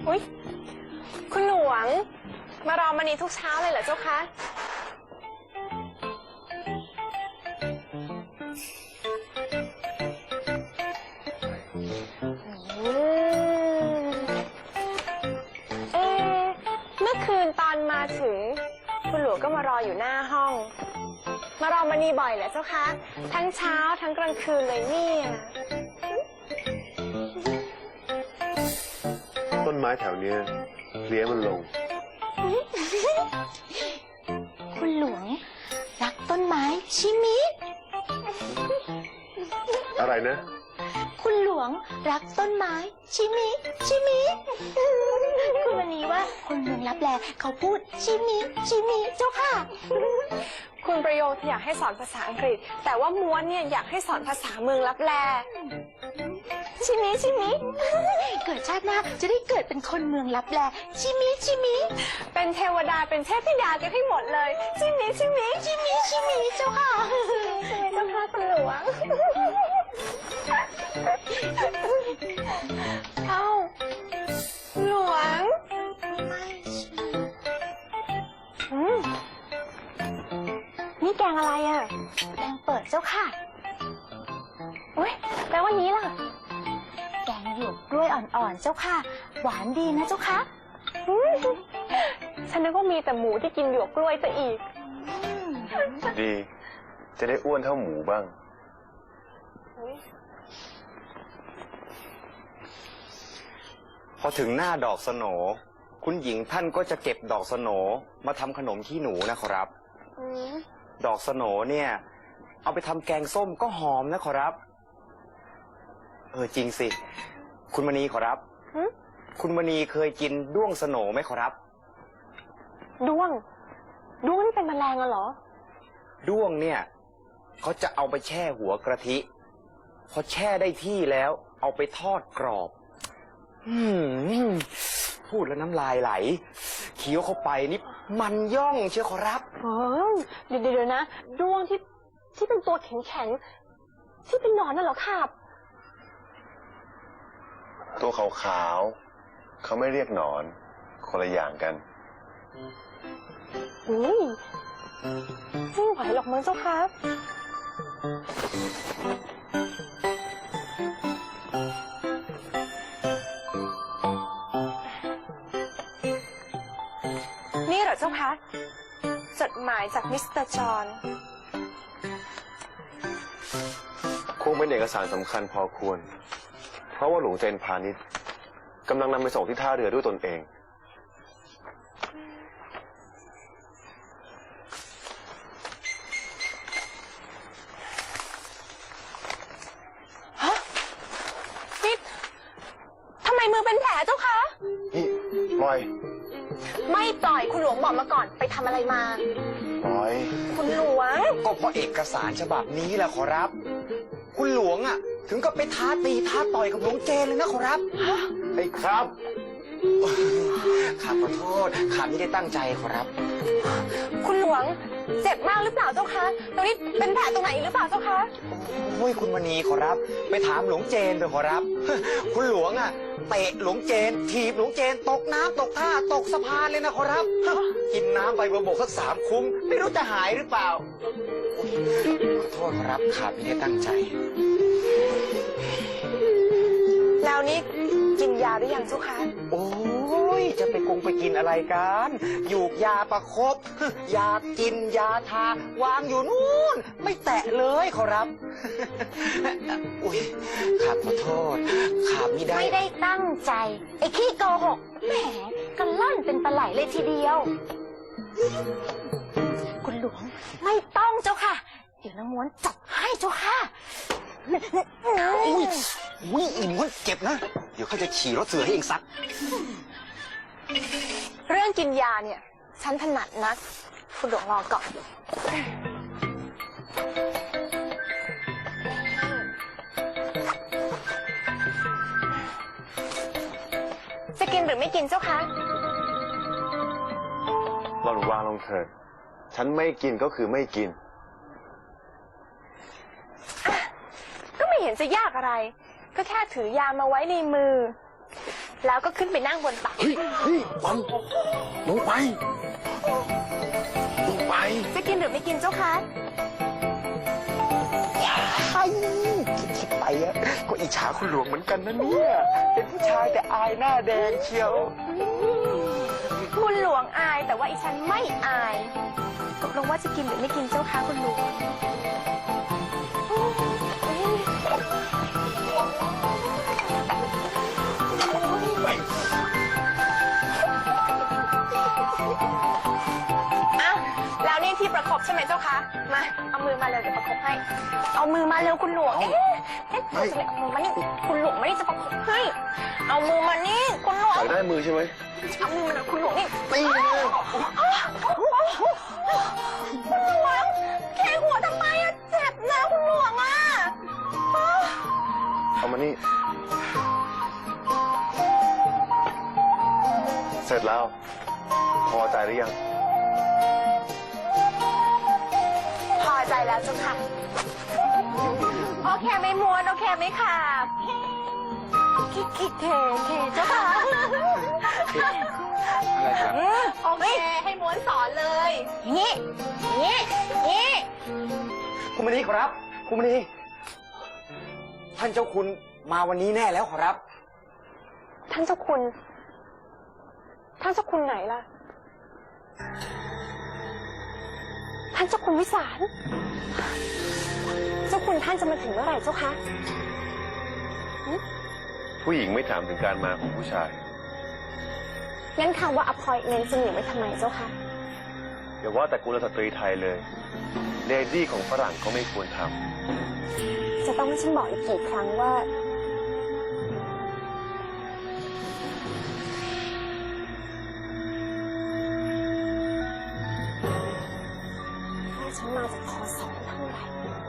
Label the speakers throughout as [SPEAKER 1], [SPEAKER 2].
[SPEAKER 1] อุ๊ยคุณหลวงมารอมณีทุกเช้าเลยเหรอเจ้าคะเมื่อคืนตอนมาถึงคุณหลวงก็มารออยู่หน้าห้องมารอมณีบ่อยเหรอเจ้าคะทั้งเช้าทั้งกลางคืนเลยเนี่ย
[SPEAKER 2] ต้นไม้แถวเนี้ยเพลี้ยมันลง
[SPEAKER 3] คุณหลวงรักต้นไม้ใช่มิ
[SPEAKER 2] อะไรนะ
[SPEAKER 3] คุณหลวงรักต้นไม้ชิมิชิมิคุณวันนี้ว่าคนเมืองลับแลเขาพูดชิมิชิมิเจ้าค่ะ
[SPEAKER 1] คุณประโยชน์อยากให้สอนภาษาอังกฤษแต่ว่าม้วนเนี่ยอยากให้สอนภาษาเมืองลับแลชิมิชิมิ
[SPEAKER 3] เกิดชาติหน้าจะได้เกิดเป็นคนเมืองลับแลชิมิชิมิ
[SPEAKER 1] เป็นเทวดาเป็นเทพธิดากันให้หมดเลยชิมิชิมิ
[SPEAKER 3] ชิมิชิมิเจ้าค่ะ
[SPEAKER 1] เจ้าค่ะคุณหลวงเอ้าหลวงนี่แกงอะไรอ่ะ
[SPEAKER 3] แกงเปิดเจ้าค่ะ
[SPEAKER 1] อุ้ยแปลว่านี้ล่ะ
[SPEAKER 3] แกงหยวกกล้วยอ่อนๆเจ้าค่ะหวานดีนะเจ้าค่ะ
[SPEAKER 1] ฉันนึกว่ามีแต่หมูที่กินหยวกกล้วยซะอีก
[SPEAKER 2] ดีจะได้อ้วนเท่าหมูบ้าง
[SPEAKER 4] พอถึงหน้าดอกสโหนคุณหญิงท่านก็จะเก็บดอกสโหนมาทำขนมขี้หนูนะครับดอกสโหนเนี่ยเอาไปทำแกงส้มก็หอมนะขอรับจริงสิคุณมณีขอรับคุณมณีเคยกินด้วงสโหนไหมขอรับ
[SPEAKER 1] ด้วงนี่เป็นแมลงเหรอ
[SPEAKER 4] ด้วงเนี่ยเขาจะเอาไปแช่หัวกระทิพอแช่ได้ที่แล้วเอาไปทอดกรอบพูดแล้วน้ำลายไหลเคี้ยวเข้าไปนี่มันย่องเชียวขอรับ
[SPEAKER 1] เดี๋ยวนะด้วงที่เป็นตัวแข็งที่เป็นหนอนน่ะเหรอครับ
[SPEAKER 2] ตัวขาวๆเขาไม่เรียกหนอนคนละอย่างกัน
[SPEAKER 1] ไม่ไหวหรอกมั้งเจ้าค่ะนี่เหรอเจ้าคะจดหมายจากมิสเตอร์จอห์น
[SPEAKER 2] คงเป็นเอกสารสำคัญพอควรเพราะว่าหลวงเจนพาณิชย์กำลังนำไปส่งที่ท่าเรือด้วยตนเอง
[SPEAKER 1] ฮะนี่ทำไมมือเป็นแผลเจ้าคะ
[SPEAKER 2] นี่ปล่อย
[SPEAKER 1] ไม่ปล่อยคุณหลวงบอกมาก่อนไปทำอะไรมา
[SPEAKER 2] ปล่อย
[SPEAKER 1] คุณหลวง
[SPEAKER 4] ก็เพราะเอกสารฉบับนี้แหละขอรับคุณหลวงอ่ะถึงก็ไปท้าตีท้าต่อยกับหลวงเจนเลยนะขอรับ
[SPEAKER 2] ไอ้ครับ
[SPEAKER 4] ข้าขอโทษข้าไม่ได้ตั้งใจขอรับ
[SPEAKER 1] คุณหลวงเจ็บมากหรือเปล่าเจ้าคะตรงนี้เป็นแผลตรงไหนหรือเปล่าเจ้าคะ
[SPEAKER 4] โอ้ยคุณมณีขอรับไปถามหลวงเจนไปขอรับคุณหลวงอ่ะเตะหลวงเจนถีบหลวงเจนตกน้ำตกท่าตกสะพานเลยนะขอรับกินน้ำไปบกสัก3 คุ้งไม่รู้จะหายหรือเปล่าขอโทษขอรับข้าไม่ได้ตั้งใจ
[SPEAKER 1] แล้วนี่กินยาหรือยังเจ้าคะ
[SPEAKER 4] โอ้ยจะไปกินอะไรกันหยูกยาประคบยากินยาทาวางอยู่นู่นไม่แตะเลยขอรับอุ้ยข้าขอโทษข้าไม่
[SPEAKER 3] ได้ตั้งใจไอ้ขี้โกหกแหมกันล่อนเป็นปลาไหลเลยทีเดียวคุณหลวงไม่ต้องเจ้าค่ะเดี๋ยวนางม้วนจับให้เจ้าค่ะ
[SPEAKER 4] อุ้ยอีม้วนเก็บนะเดี๋ยวเขาจะขี่รถเสือให้เองซัก
[SPEAKER 1] เรื่องกินยาเนี่ยฉันถนัดนักคุณหลวงรอก่อนจะกินหรือไม่กินเจ้าคะ
[SPEAKER 2] หล่อนวางลงเถิดฉันไม่กินก็คือไม่กิน
[SPEAKER 1] ก็ไม่เห็นจะยากอะไรก็แค่ถือยามาไว้ในมือ
[SPEAKER 3] แล้วก็ขึ้นไปนั่งบนตัก
[SPEAKER 2] เฮ้ยวันลงไปลงไป
[SPEAKER 3] จะกินหรือไม่กินเจ้าคะ
[SPEAKER 4] ไอ้คิดไปอะก็อิจฉาคุณหลวงเหมือนกันนะเนี่ย เป็นผู้ชายแต่อายหน้าแดงเชียว
[SPEAKER 3] คุณหลวงอายแต่ว่าอีฉันไม่อายตกลงว่าจะกินหรือไม่กินเจ้าคะคุณหลวง
[SPEAKER 1] อ้าวแล้วนี่ที่ประคบใช่ไหมเจ้าคะ มา เอามือมาเลยเดี๋ยวประคบให้ เอามือมาเร็วคุณหลวง จะไม่เอามือมานี่คุณหลวงไม่ได้จะประคบให้ เอามือมานี่คุณหลวง
[SPEAKER 2] อยากได้มือใช่ไหม
[SPEAKER 1] เอามือมาหน่อยคุณหลวงนี่
[SPEAKER 2] ตีเลย
[SPEAKER 1] คุณหลวงแค่หัวทำไมอะเจ็บนะคุณหลวงอะ
[SPEAKER 2] เอามานี่ เสร็จแล้ว พอใจหรือยัง
[SPEAKER 1] พอใจแล้วเจ้าค่ะ โอเคไม่ม้วนโอเคไม่ขาบคิดเทเจ้าค่ะ
[SPEAKER 4] อะไรครับ
[SPEAKER 1] โอเคให้ม้วนสอนเลยนี่นี่นี่
[SPEAKER 4] คุณมณีครับ คุณมณีท่านเจ้าคุณมาวันนี้แน่แล้วครับ
[SPEAKER 1] ท่านเจ้าคุณ ท่านเจ้าคุณไหนล่ะ ท่านเจ้าคุณวิสาร เจ้าคุณท่านจะมาถึงเมื่อไหร่เจ้าคะ
[SPEAKER 2] ผู้หญิงไม่ถามถึงการมาของผู้ชาย
[SPEAKER 1] งั้นคำว่า appointment จะมีไว้ทำไมเจ้าคะ
[SPEAKER 2] อย่าว่าแต่กุลสตรีไทยเลย เลดี้ของฝรั่งก็ไม่ควรท
[SPEAKER 1] จะต้องให้ฉันบอกอีกกี่ครั้งว่า ฉันมาจากพศเท่าไหร่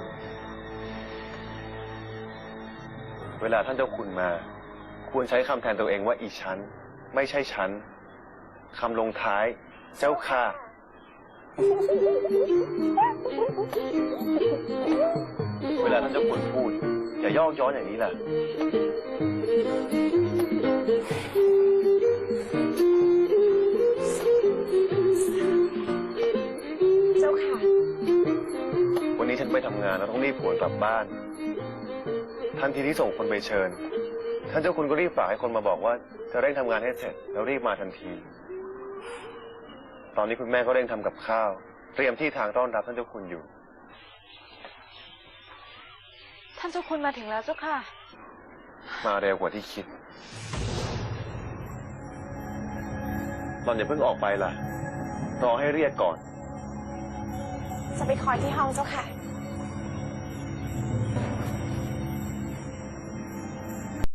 [SPEAKER 2] ำเวลาท่านเจ้าคุณมา ควรใช้คำแทนตัวเองว่าอีฉัน ไม่ใช่ฉัน คำลงท้าย เจ้าค่ะ เวลาท่านเจ้าคุณพูด อย่ายอกย้อนอย่างนี้ล่ะ
[SPEAKER 1] เจ้าค่ะ
[SPEAKER 2] วันนี้ฉันไปทำงานแล้วต้องรีบหวนกลับบ้าน ทันทีที่ส่งคนไปเชิญ ท่านเจ้าคุณก็รีบฝากให้คนมาบอกว่าจะเร่งทำงานให้เสร็จแล้วรีบมาทันที ตอนนี้คุณแม่ก็เร่งทำกับข้าว เตรียมที่ทางต้อนรับท่านเจ้าคุณอยู่
[SPEAKER 3] ท่านเจ้าคุณมาถึงแล้วเจ้าค่ะ
[SPEAKER 2] มาเร็วกว่าที่คิดตอนอย่าเพิ่งออกไปล่ะ รอให้เรียกก่อน
[SPEAKER 1] จะไปคอยที่ห้องเจ้าค่ะ